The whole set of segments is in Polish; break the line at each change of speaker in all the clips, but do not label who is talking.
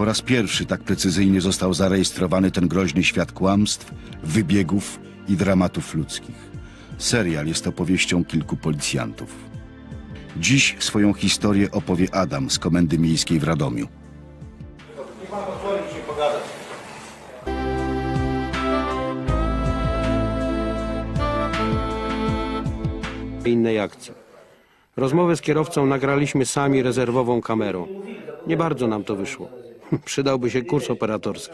raz pierwszy tak precyzyjnie został zarejestrowany ten groźny świat kłamstw, wybiegów i dramatów ludzkich. Serial jest opowieścią kilku policjantów. Dziś swoją historię opowie Adam z Komendy Miejskiej w Radomiu.
Niech pan pozwoli mi się pogadać.
Innej akcji. Rozmowę z kierowcą nagraliśmy sami rezerwową kamerą. Nie bardzo nam to wyszło. Przydałby się kurs operatorski.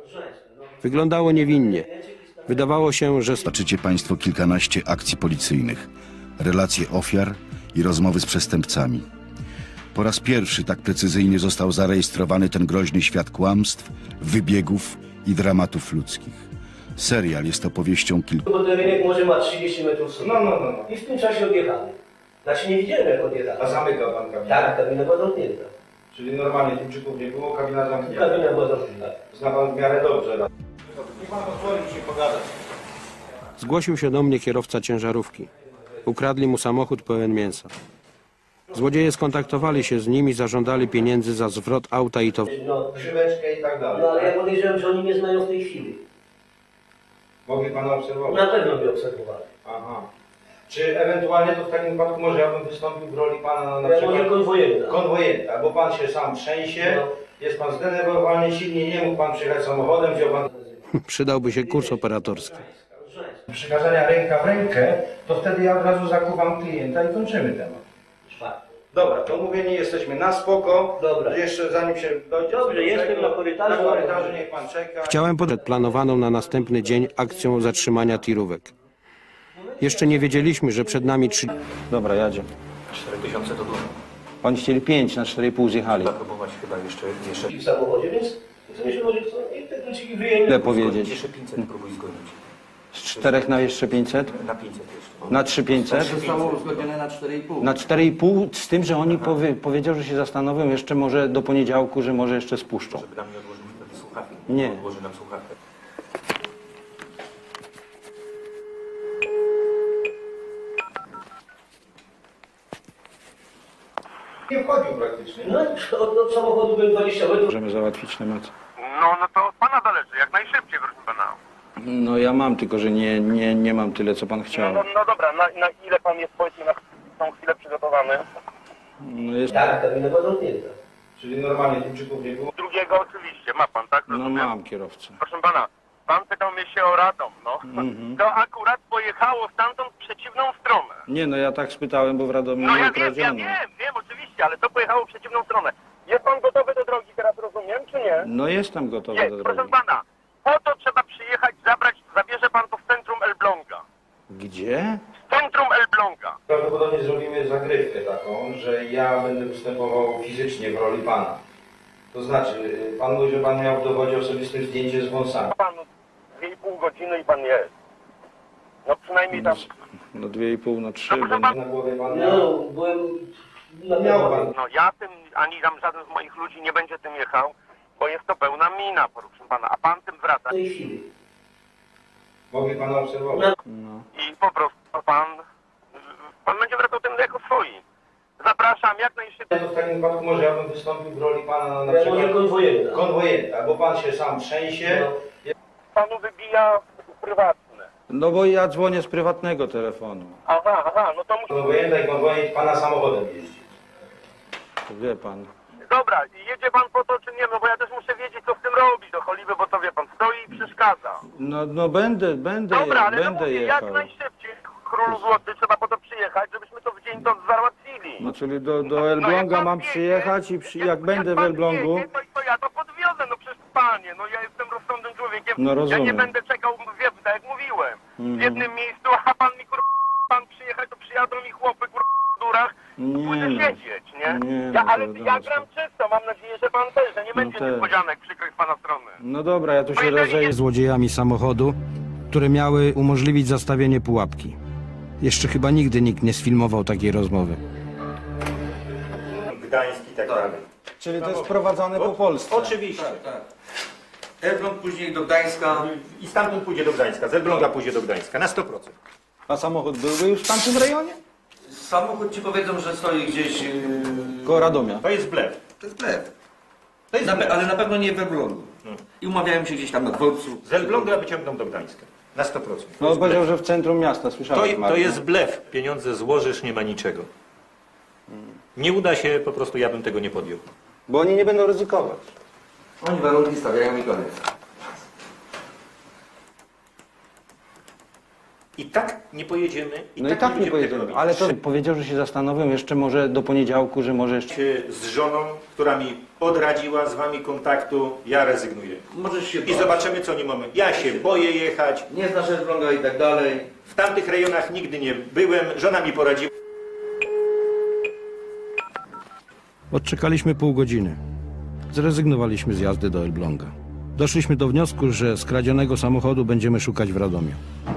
Wyglądało niewinnie. Wydawało się, że...
Zobaczycie Państwo kilkanaście akcji policyjnych, relacje ofiar i rozmowy z przestępcami. Po raz pierwszy tak precyzyjnie został zarejestrowany ten groźny świat kłamstw, wybiegów i dramatów ludzkich. Serial jest opowieścią kilku...
Bo ten rynek może ma 30 metrów sobie.
No.
I w tym czasie odjechali. Znaczy nie widziałem jak odjechali.
A zamykał pan kabinę?
Tak, kabina była zamknięta.
Czyli normalnie Chińczyków nie było, kabina zamknięta.
Kabina była zamknięta.
Zna pan w miarę dobrze. Niech pan pozwoli mi się pogadać.
Zgłosił się do mnie kierowca ciężarówki. Ukradli mu samochód pełen mięsa. Złodzieje skontaktowali się z nim i zażądali pieniędzy za zwrot auta i to...
No,
Grzyweczkę i tak dalej.
no ale ja podejrzewam, że oni mnie znają w tej chwili.
Mogli pana obserwować?
Na pewno mnie obserwowali.
Aha. Czy ewentualnie to w takim wypadku może ja bym wystąpił w roli pana na
Ja
przykład...
może konwojenta.
Konwojenta, bo pan się sam trzęsie,
No.
jest pan zdenerwowany, silnie nie mógł pan przyjechać samochodem, wziął pan...
Przydałby się kurs operatorski.
Przekazania ręka w rękę, to wtedy ja od razu zakuwam klienta i kończymy temat.
Czwarty.
Dobra, to mówienie jesteśmy na spoko.
Dobra.
Jeszcze zanim się dojdzie...
Dobrze,
do
jestem
tego,
na korytarzu.
Na korytarzu niech pan czeka.
Chciałem podać planowaną na następny dzień akcją zatrzymania tirówek. Jeszcze nie wiedzieliśmy, że przed nami 3...
Dobra, jadzie.
4000 to dużo.
Oni chcieli 5, na 4,5 zjechali.
Trzeba próbować chyba jeszcze
W samochodzie, więc myślę, może chcą i te kluczyki wyjęli.
Ile powiedzieć?
Jeszcze 500 próbuj zgonić.
Z 4 na jeszcze 500?
Na 500 jeszcze.
Na 3500?
Zostało uzgodnione na 4,5.
Na 4,5 z tym, że oni powiedział, że się zastanowią jeszcze może do poniedziałku, że może jeszcze spuszczą.
Żeby nam nie odłożył wtedy słuchawki.
Nie.
Odłoży nam słuchawkę.
Nie wchodził praktycznie.
No od samochodu byłem 20 metrów.
Możemy załatwić temat.
No to od pana zależy, jak najszybciej, proszę pana.
No ja mam, tylko że nie mam tyle, co pan chciał.
No dobra, na ile pan jest, powiedzmy, na tą chwilę przygotowany?
No, jest,
Tak, kabina była zamknięta.
Czyli normalnie Chińczyków nie było.
Drugiego oczywiście, ma pan, tak?
no
Rozumiem?
mam kierowcę.
Proszę pana, pan pytał mnie się o Radom, no. To akurat pojechało stamtąd w przeciwną stronę.
Nie, no ja tak spytałem, bo w Radomiu
No
nie
ja wiem,
ukradziono.
wiem, oczywiście, ale to pojechało w przeciwną stronę. Jest pan gotowy do drogi teraz, rozumiem, czy nie?
No jestem gotowy
Jest,
do
proszę
drogi.
pana. Po to trzeba przyjechać, zabierze pan to w centrum Elbląga.
Gdzie?
W centrum Elbląga.
Prawdopodobnie zrobimy zagrywkę taką, że ja będę występował fizycznie w roli pana. To znaczy, pan mówi, że pan miał w dowodzie osobistym zdjęcie z wąsami.
Panu 2,5 godziny i pan jest. No przynajmniej tam...
No 2,5 na 3,
No,
bo
Na głowie pan miał.
No, byłem...
Miał pan.
No ja tym, ani tam żaden z moich ludzi nie będzie tym jechał, bo jest to pełna mina, proszę pana, a pan tym wraca.
W tej chwili.
Mogli pana obserwować.
No.
I po prostu pan będzie wracał tym jako swoi. Zapraszam jak najszybciej.
To w takim wypadku może ja bym wystąpił w roli pana na
Ja
przykład...
może konwojenta.
Konwojenta, bo pan się sam trzęsie.
No.
Panu wybija prywatne.
No bo ja dzwonię z prywatnego telefonu.
Aha, no to musi...
Konwojenta i konwojent pana samochodem jeździ.
To wie pan.
Dobra, jedzie pan po to czy nie, no bo ja też muszę wiedzieć co w tym robi do choliby, bo to wie pan, stoi i przeszkadza.
No będę
Dobra, ale no
będę
mówię,
jechał.
jak najszybciej, król złoty, trzeba po to przyjechać, żebyśmy to w dzień to załatwili.
No czyli do
No, jak
Elbląga
pan
mam
wiedzie,
przyjechać i jak będę w
pan
Elblągu...
wiedzie, to ja to podwiozę, no przecież panie, no ja jestem rozsądnym człowiekiem.
No
Ja
rozumiem.
nie będę czekał, wie, tak jak mówiłem, w jednym miejscu, a pan mi pan przyjechać, to przyjadą mi chłopy w durach,
Nie
pójdę
no.
siedzieć, nie?
Nie
Ja,
no,
ale
to
ja
wiadomo,
gram czysto, mam nadzieję, że pan też, że nie będzie
też.
niespodzianek przykrych z pana strony.
No dobra, ja tu się
jeżeli
rozejdę.
Złodziejami samochodu, które miały umożliwić zastawienie pułapki. Jeszcze chyba nigdy nikt nie sfilmował takiej rozmowy.
Gdańsk i tak dalej.
Czyli to jest prowadzone po Polsce.
Oczywiście.
Tak. Elbląg później do Gdańska.
I stamtąd pójdzie do Gdańska, z Elbląga pójdzie do Gdańska, na 100%.
A samochód byłby już w tamtym rejonie?
Samochód ci powiedzą, że stoi gdzieś...
Koło Radomia.
To jest blef.
To jest blef. Ale na pewno nie we Wronu. I umawiałem się gdzieś tam na dworcu.
Z Elbląga wyciągną do Gdańska. Na 100%.
No powiedział, że w centrum miasta, słyszałem.
To
Martin.
jest blef. Pieniądze złożysz, nie ma niczego. Nie uda się, po prostu ja bym tego nie podjął.
Bo oni nie będą ryzykować.
Oni warunki stawiają i koniec.
I tak nie pojedziemy.
No i tak nie
będziemy
pojedziemy.
tego robić.
Ale to powiedział, że się zastanowią jeszcze może do poniedziałku, że może jeszcze...
Z żoną, która mi odradziła z wami kontaktu, ja rezygnuję.
Możesz się
I zobaczymy, co nie mamy. Ja się boję jechać.
Nie znasz Elbląga i tak dalej.
W tamtych rejonach nigdy nie byłem. Żona mi poradziła.
Odczekaliśmy pół godziny. Zrezygnowaliśmy z jazdy do Elbląga. Doszliśmy do wniosku, że skradzionego samochodu będziemy szukać w Radomiu.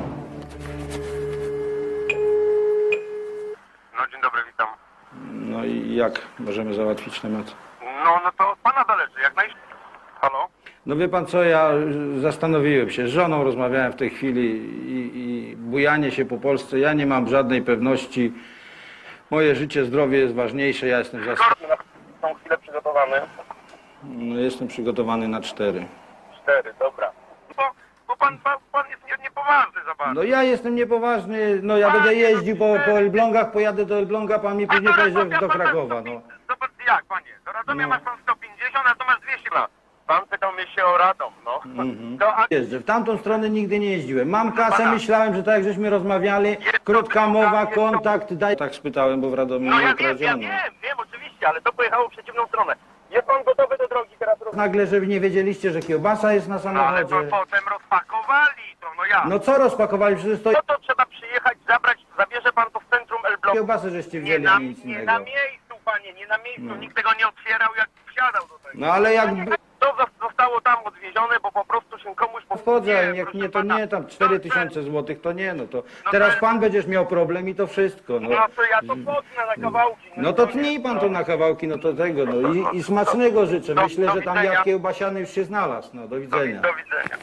No dzień dobry, witam.
No i jak możemy załatwić temat?
No to od pana zależy, jak najszybciej. Halo?
No wie pan co, ja zastanowiłem się, z żoną rozmawiałem w tej chwili i bujanie się po Polsce, ja nie mam żadnej pewności. Moje życie, zdrowie jest ważniejsze, ja jestem
Są chwilę przygotowany.
no, jestem przygotowany na 4.
4, dobra. Bo pan jest niepoważny za bardzo.
No ja jestem niepoważny, no ja będę jeździł po Elblągach, pojadę do Elbląga, pan mi później powie, że do Krakowa, no.
Zobacz jak, panie, do Radomia
No.
masz pan 150, a tu masz 200 lat. Pan pytał mnie się o Radom, no. To, a
Jeżdżę, w tamtą stronę nigdy nie jeździłem. Mam kasę, myślałem, że tak jak żeśmy rozmawiali, krótka mowa, kontakt, daj... Tak spytałem, bo w Radomiu
no
nie
ja wiem,
ukradziono.
wiem, oczywiście, ale to pojechało w przeciwną stronę. Jest pan gotowy do drogi teraz?
Nagle, że nie wiedzieliście, że kiełbasa jest na
No ale to
samochodzie.
potem rozpakowali to, no ja.
No co rozpakowali? Przecież to
No to trzeba przyjechać, zabrać, zabierze pan to w centrum Elbląga.
kiełbasę żeście
Nie
wzięli,
na,
a nic
nie
innego.
na miejscu, panie, nie na miejscu. Nikt tego nie otwierał, jak wsiadał do tego.
No ale jak...
To zostało tam odwiezione, bo po prostu się komuś...
Wchodzę, ale jak
proszę
nie, to
pana.
nie, tam 4000 złotych to nie, no to teraz pan będziesz miał problem i to wszystko, no.
No to ja to potnę na kałałki.
No to tnij pan to na kawałki, no to tego, no i smacznego życzę.
Do
Myślę, że tam
widzenia.
jad kiełbasiany już się znalazł, no do widzenia.
Do widzenia.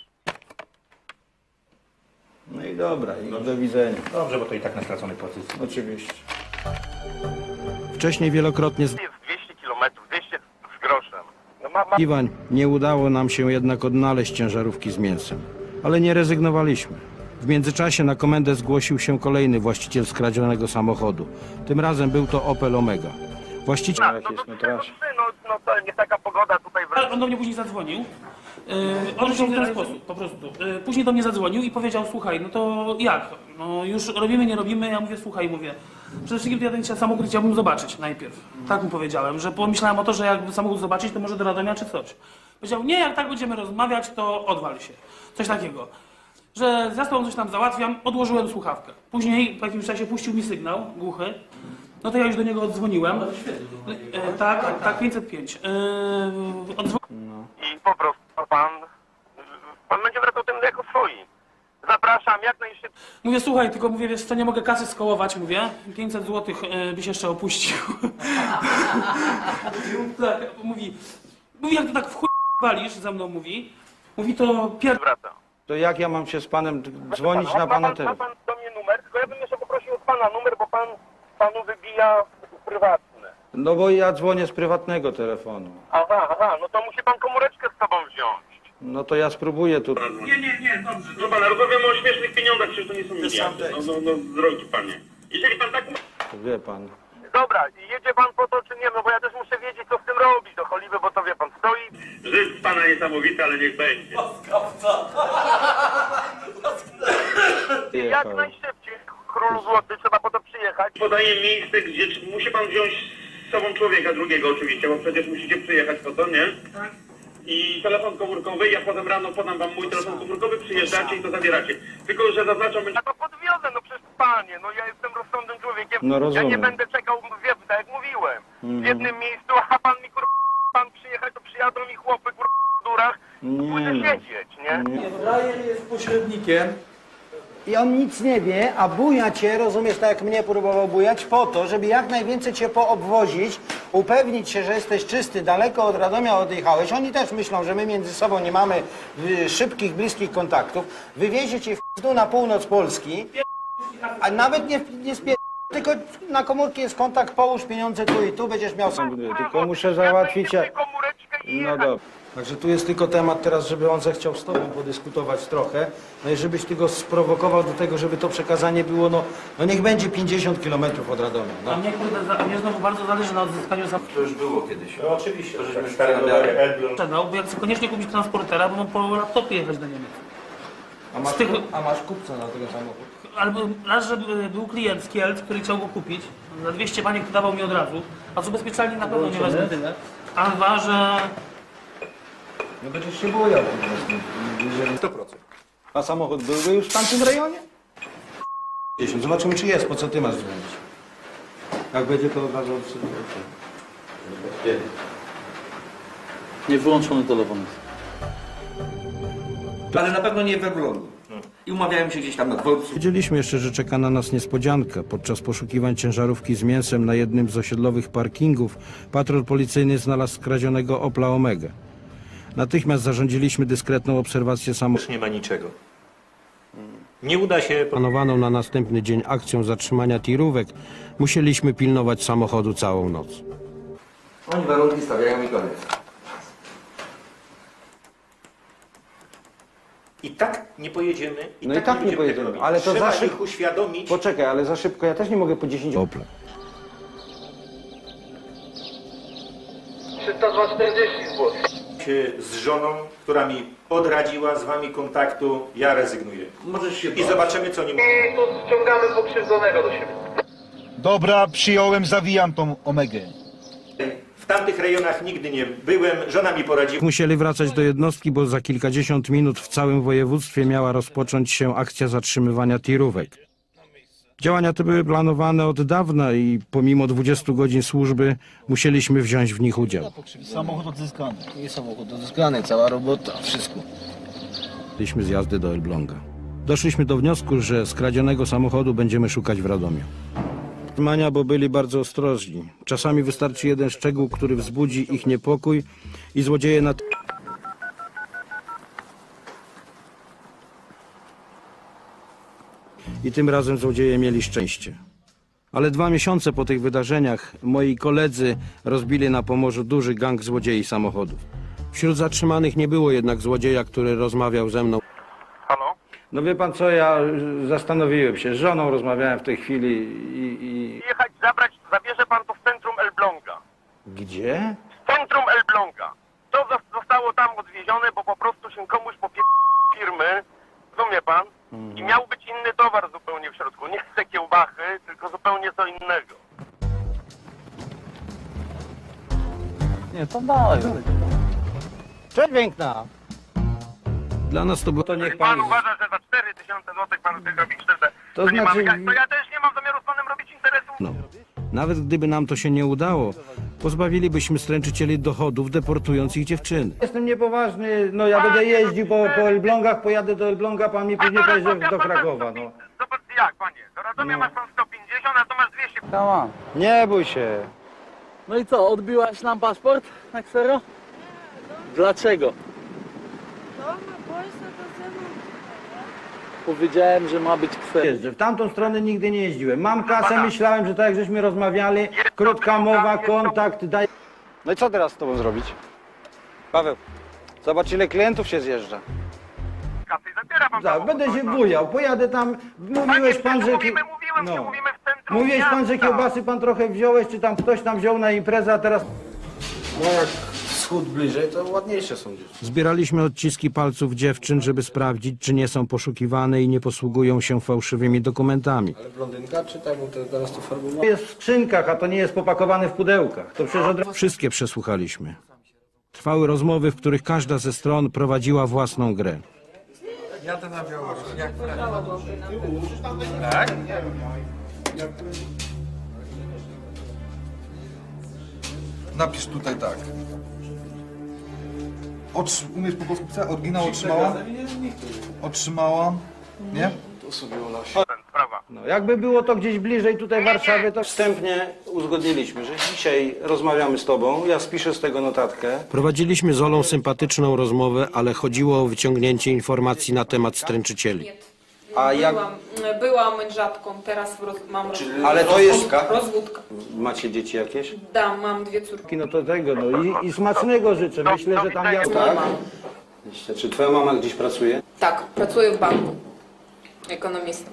No i dobra, i do widzenia.
Dobrze, bo to i tak na straconej pozycji.
Oczywiście.
Wcześniej wielokrotnie
Jest 200 kilometrów, 200 z groszem. No ma...
Iwań, nie udało nam się jednak odnaleźć ciężarówki z mięsem. Ale nie rezygnowaliśmy. W międzyczasie na komendę zgłosił się kolejny właściciel skradzionego samochodu. Tym razem był to Opel Omega. Właściciel...
Jakieś metraże.
No to nie taka pogoda tutaj
Ale on do mnie później zadzwonił. On się w ten sposób, po prostu. Później do mnie zadzwonił i powiedział, słuchaj, no to jak? No już robimy, nie robimy? Ja mówię, słuchaj, mówię. Przede wszystkim to ja ten samochód chciałbym zobaczyć najpierw. Tak mu powiedziałem, że pomyślałem o to, że jakby samochód zobaczyć, to może do Radomia czy coś. Powiedział, nie, jak tak będziemy rozmawiać, to odwal się. Coś takiego. Że za sobą coś tam załatwiam, odłożyłem słuchawkę. Później po jakimś czasie puścił mi sygnał głuchy. No to ja już do niego odzwoniłem. Tak, 505.
i po prostu pan będzie wracał tym jako swoi. Zapraszam jak najszybciej.
Mówię, słuchaj, tylko mówię, wiesz co, nie mogę kasy skołować, mówię. 500 zł byś jeszcze opuścił. Tak, mówi, jak to tak w chuj walisz, za mną mówi. Mówi, to
Wracam.
To jak ja mam się z panem dzwonić na pana
Ma
telefon?
pan do mnie numer, tylko ja bym jeszcze poprosił od pana numer, bo panu wybija prywatne.
No bo ja dzwonię z prywatnego telefonu.
Aha, no to musi pan komóreczkę z sobą wziąć.
No to ja spróbuję tu.
Nie, dobrze. No pan, rozmawiamy o śmiesznych pieniądzach, przecież to nie są miliardy. No, drogi panie. Jeżeli pan tak...
To wie pan.
Dobra, jedzie pan po to czy nie, no bo ja też muszę wiedzieć co z tym robić do choliby, bo to wie pan, stoi...
Żyć z pana niesamowity, ale niech będzie.
Jak
Jechał.
najszybciej, król złoty, trzeba po to przyjechać.
Podaję miejsce, gdzie musi pan wziąć z sobą człowieka drugiego oczywiście, bo przecież musicie przyjechać po to, nie? Tak. I telefon komórkowy, ja potem rano podam wam mój telefon komórkowy, przyjeżdżacie i to zabieracie. Tylko, że zaznaczam...
Ja to podwiozę, no przecież panie, no ja jestem rozsądnym człowiekiem.
No rozumiem.
Ja nie będę czekał, wie, tak jak mówiłem, w jednym miejscu, a pan mi pan przyjechać, to przyjadą mi chłopy w durach, pójdę
no.
siedzieć, nie?
Ryan jest pośrednikiem.
I on nic nie wie, a buja cię, rozumiesz, tak jak mnie próbował bujać, po to, żeby jak najwięcej cię poobwozić, upewnić się, że jesteś czysty, daleko od Radomia odjechałeś. Oni też myślą, że my między sobą nie mamy szybkich, bliskich kontaktów. Wywiezie cię w dół na północ Polski, a nawet nie spier... tylko na komórki jest kontakt, połóż pieniądze tu i tu, będziesz miał...
Tylko muszę załatwić...
Ja komóreczkę
No
jechać.
dobra. Także tu jest tylko temat teraz, żeby on zechciał z tobą podyskutować trochę. No i żebyś ty go sprowokował do tego, żeby to przekazanie było, no niech będzie 50 km od Radomia.
A
No.
mnie, kurde, a mnie znowu bardzo zależy na odzyskaniu samochodu.
To już było kiedyś.
No oczywiście,
To żeśmy
tak
szukali
stary
dalej.
Elbląg.
Sprzedał, bo ja chcę koniecznie kupić transportera, bo mam po laptopie jechać do Niemiec.
A masz kupca na tego samochodu?
Albo raz, że był klient z Kielc, który chciał go kupić, za 200 baniek dawał mi od razu, a z ubezpieczalni na pewno nie wezmę tyle. A dwa, że
No będziesz się bojał po prostu. Jeżeli...
100%.
A samochód byłby już w tamtym rejonie? 10. Zobaczymy, czy jest. Po co ty masz dzwonić? Jak będzie, to od razu odsyłam.
Nie wyłączony telefon jest. Ale na pewno nie we Wronu. I umawiałem się gdzieś tam na dworcu.
Wiedzieliśmy jeszcze, że czeka na nas niespodzianka. Podczas poszukiwań ciężarówki z mięsem na jednym z osiedlowych parkingów patrol policyjny znalazł skradzionego Opla Omega. Natychmiast zarządziliśmy dyskretną obserwację samochodu.
Już nie ma niczego. Nie uda się...
Planowaną na następny dzień akcją zatrzymania tirówek musieliśmy pilnować samochodu całą noc.
Oni warunki stawiają i koniec.
I tak nie pojedziemy.
No i tak nie
będziemy
pojedziemy,
tego robić.
ale to
Trzeba
za
ich uświadomić.
Poczekaj, ale za szybko. Ja też nie mogę po 10...
Opla.
340 zł.
Się z żoną, która mi odradziła z wami kontaktu, ja rezygnuję.
Możesz się
I zobaczymy, co nie mówię.
I tu ściągamy pokrzywdzonego do siebie.
Dobra, przyjąłem, zawijam tą Omegę.
W tamtych rejonach nigdy nie byłem, żona mi poradziła.
Musieli wracać do jednostki, bo za kilkadziesiąt minut w całym województwie miała rozpocząć się akcja zatrzymywania tirówek. Działania te były planowane od dawna i pomimo 20 godzin służby musieliśmy wziąć w nich udział.
Samochód odzyskany.
Nie samochód odzyskany, cała robota, wszystko.
Byliśmy z jazdy do Elbląga. Doszliśmy do wniosku, że skradzionego samochodu będziemy szukać w Radomiu. Mania, bo byli bardzo ostrożni. Czasami wystarczy jeden szczegół, który wzbudzi ich niepokój i złodzieje I tym razem złodzieje mieli szczęście. Ale 2 miesiące po tych wydarzeniach moi koledzy rozbili na Pomorzu duży gang złodziei samochodów. Wśród zatrzymanych nie było jednak złodzieja, który rozmawiał ze mną.
Halo?
No wie pan co, ja zastanowiłem się. Z żoną rozmawiałem w tej chwili i...
Jechać, zabrać, zabierze pan to w centrum Elbląga.
Gdzie?
W centrum Elbląga. To zostało tam odwiezione, bo po prostu się komuś firmy, rozumie pan? I miał być inny towar zupełnie w środku. Nie te kiełbachy, tylko zupełnie co innego.
Nie, to daj.
Cześć piękna!
Dla nas to było...
To niech
Pan
pan...
uważa, że za 4000 zł pan chce robić krzywdę.
To
nie
znaczy-
mamy, to ja też nie mam zamiaru z panem robić interesu.
No. Nawet gdyby nam to się nie udało, pozbawilibyśmy stręczycieli dochodów, deportując ich dziewczyny.
Jestem niepoważny, no ja będę jeździł po Elblągach, pojadę do Elbląga, pan mi później powie, że do Krakowa, no.
Zobacz jak, panie, do Radomia masz pan 150, a tu masz 200.
Tama.
Nie bój się.
No i co, odbiłaś nam paszport na ksero? Dlaczego? Powiedziałem, że ma być ksero.
Jeżdżę. W tamtą stronę nigdy nie jeździłem. Mam kasę, myślałem, że tak jak żeśmy rozmawiali, krótka mowa, kontakt, daj... No i co teraz z tobą zrobić? Paweł, zobacz ile klientów się zjeżdża.
Kasy i zabiera pan
Tak,
samochód,
będę się
no.
bujał, pojadę tam, mówiłeś pan, że...
Mówimy w centrum
Mówiłeś pan, że
miasta.
kiełbasy pan trochę wziąłeś, czy tam ktoś tam wziął na imprezę, a teraz...
No jak wschód bliżej, to ładniejsze są dziewczyny.
Zbieraliśmy odciski palców dziewczyn, żeby sprawdzić, czy nie są poszukiwane i nie posługują się fałszywymi dokumentami.
Ale blondynka czy tak, bo teraz to farbowa?
To jest w skrzynkach, a to nie jest popakowane w pudełkach. To przecież od razu...
Wszystkie przesłuchaliśmy. Trwały rozmowy, w których każda ze stron prowadziła własną grę.
Napisz tutaj tak. Umiesz po polsku pisać? Oryginał otrzymała? Otrzymała. Nie?
Sprawa.
No, jakby było to gdzieś bliżej tutaj Warszawy, to...
Wstępnie uzgodniliśmy, że dzisiaj rozmawiamy z tobą, ja spiszę z tego notatkę.
Prowadziliśmy z Olą sympatyczną rozmowę, ale chodziło o wyciągnięcie informacji na temat stręczycieli.
A jak...
Byłam mężatką, teraz mam
Ale to jest...
rozwódka.
Macie dzieci jakieś?
Da, mam 2 córki.
No to tego, no i smacznego życzę. Myślę, że tam ja...
Tak? Czy twoja mama gdzieś pracuje?
Tak, pracuję w banku. Ekonomistą.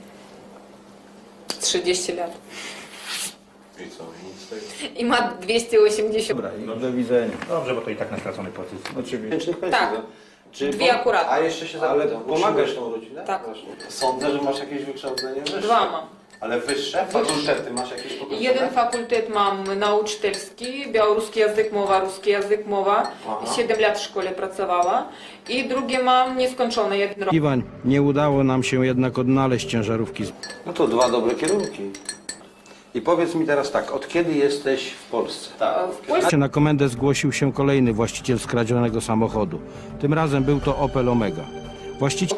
30 lat.
I co? Nic z tego?
I ma 280.
Dobra, i do widzenia.
Dobrze, bo to i tak na straconej pozycji.
Oczywiście.
Tak. Dwie akurat.
A jeszcze się
Ale
zapytam,
pomagasz
tą rodzinę?
Tak.
Sądzę, że masz jakieś wykształcenie wyższe.
2 mam.
Ale wyższe? Fakultety masz jakieś pokończone?
Jeden fakultet mam nauczycielski, białoruski język mowa, ruski język mowa. 7 lat w szkole pracowała. I drugie mam nieskończone, 1 rok.
Iwan, nie udało nam się jednak odnaleźć ciężarówki.
No to 2 dobre kierunki. I powiedz mi teraz tak, od kiedy jesteś w Polsce?
W Polsce
Na komendę zgłosił się kolejny właściciel skradzionego samochodu. Tym razem był to Opel Omega. Właściciel...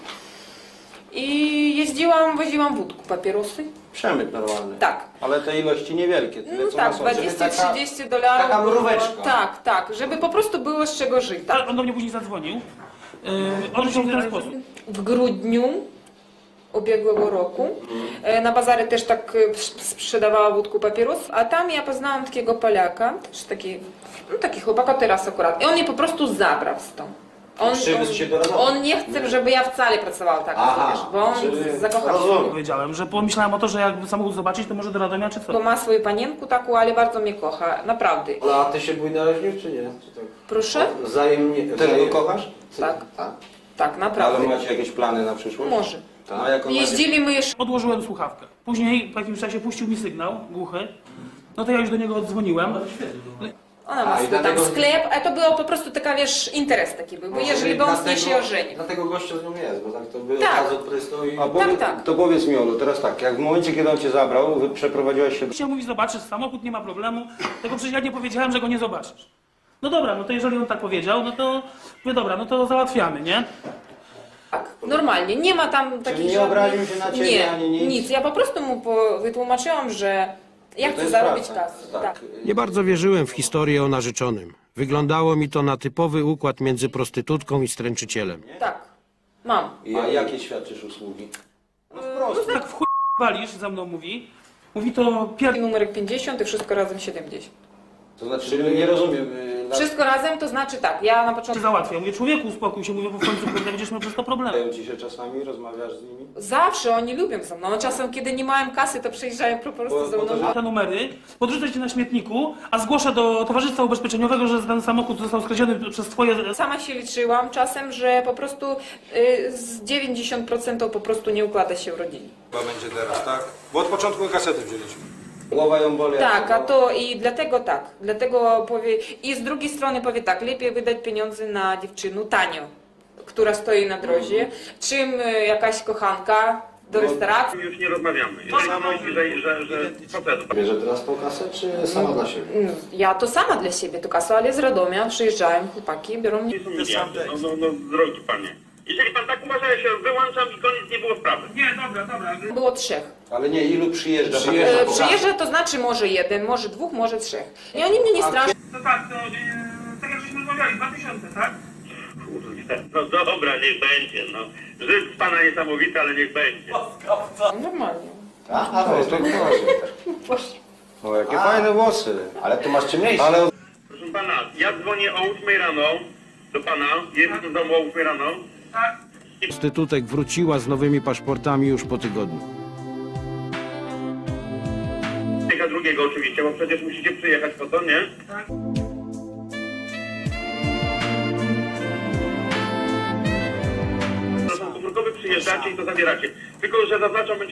i woziłam wódku, papierosy.
Przemyt normalny.
Tak.
Ale te ilości niewielkie. Tyle,
No
co
tak,
na sądzie.
20-30 $.
taka mróweczka.
Tak, tak, żeby po prostu było z czego żyć. Tak.
Ale on do mnie później zadzwonił. Odrzucił w ten sposób.
W grudniu ubiegłego roku na bazary też tak sprzedawała wódku papierosów, a tam ja poznałam takiego Polaka, też taki chłopaka teraz akurat. I on mnie po prostu zabrał stąd. On nie chce, żeby ja wcale pracowała tak, wiesz, bo on zakochał się.
Powiedziałem, że pomyślałem o to, że jakby samochód zobaczyć, to może do Radomia czy co.
Bo ma swoją panienkę taką, ale bardzo mnie kocha, naprawdę.
A ty się bujnaraźnił, czy nie? Czy tak?
Proszę?
Wzajemnie...
Też go kochasz?
Tak.
A?
Tak, naprawdę.
Ale macie jakieś plany na przyszłość?
Może.
A jak on
Jeździli my jeszcze...
Odłożyłem słuchawkę. Później po jakimś czasie puścił mi sygnał głuchy. No to ja już do niego oddzwoniłem.
Ona ma swój tam sklep, a to było po prostu taka, wiesz, interes taki był, bo jeżeli by on z niej się ożenił.
Dlatego gościu z nią jest, bo tak to by
Tak.
od razu prysnął i...
Tak.
To powiedz mi, Olu, teraz tak, jak w momencie, kiedy on cię zabrał, wy przeprowadziłaś się...
Chciał mówi, zobaczysz samochód, nie ma problemu. Tylko przecież ja nie powiedziałem, że go nie zobaczysz. No dobra, no to jeżeli on tak powiedział, no to mówię, dobra, no to załatwiamy, nie?
Tak, normalnie, nie ma tam takich
nie obraził się na ciebie,
nie,
ani nic?
nic. Ja po prostu mu wytłumaczyłam, że ja
To
chcę
jest
zarobić
praca.
kasę.
Tak.
Tak.
Nie bardzo wierzyłem w historię o narzeczonym. Wyglądało mi to na typowy układ między prostytutką i stręczycielem.
Tak, mam.
A jakie świadczysz usługi?
Tak w chuj walisz, za mną mówi. Mówi to pierwszy.
Numerek 50 i wszystko razem 70.
To znaczy, nie rozumiem...
Wszystko razem to znaczy tak, ja na początku...
Załatwiam. Mówię, człowieku, uspokój się, mówię, bo w końcu będziesz miał przez to problemy.
Dają ci się czasami, rozmawiasz z nimi?
Zawsze oni lubią ze mną. No, czasem, kiedy nie mają kasy, to przyjeżdżają po prostu ze mną.
Te numery, podrzucę cię na śmietniku, a zgłoszę do Towarzystwa Ubezpieczeniowego, że ten samochód został skradziony przez twoje...
Sama się liczyłam czasem, że po prostu z 90% po prostu nie układa się w rodzinie.
Chyba będzie teraz, tak? Bo od początku kasety wzięliśmy. Głowa ją boli.
Tak, a to i dlatego tak. Dlatego powie... I z drugiej strony powie tak, lepiej wydać pieniądze na dziewczynę tanio, która stoi na drodze, czym jakaś kochanka do restauracji.
Już nie rozmawiamy. Jeżeli myśli, że procedu.
Bierze teraz tą kasę, czy sama dla siebie?
Ja to sama dla siebie to kasę, ale z Radomia przyjeżdżają chłopaki, biorą mnie.
No, drogi panie. Jeżeli pan tak uważa, ja się wyłączam i koniec, nie było sprawy.
Nie, dobra.
Było 3.
Ale nie, ilu przyjeżdża?
Przyjeżdża to znaczy może 1, może 2, może 3. I oni mnie nie straszą.
No tak, to tak jak żeśmy rozmawiali, 2000, tak?
Kurde, no dobra, niech będzie, no. Żyd z pana niesamowity, ale niech będzie.
Normalnie.
Aha,
No, to proszę. O, jakie fajne włosy.
ale tu masz ciemniejsze.
Ale
Proszę pana, ja dzwonię o 8 rano do pana, jestem w domu o 8 rano.
Tak.
Prostytutek wróciła z nowymi paszportami już po tygodniu.
Czeka drugiego oczywiście, bo przecież musicie przyjechać po to, nie?
Tak.
Telefon komórkowy przyjeżdżacie i to zabieracie. Tylko, że zaznaczam, będzie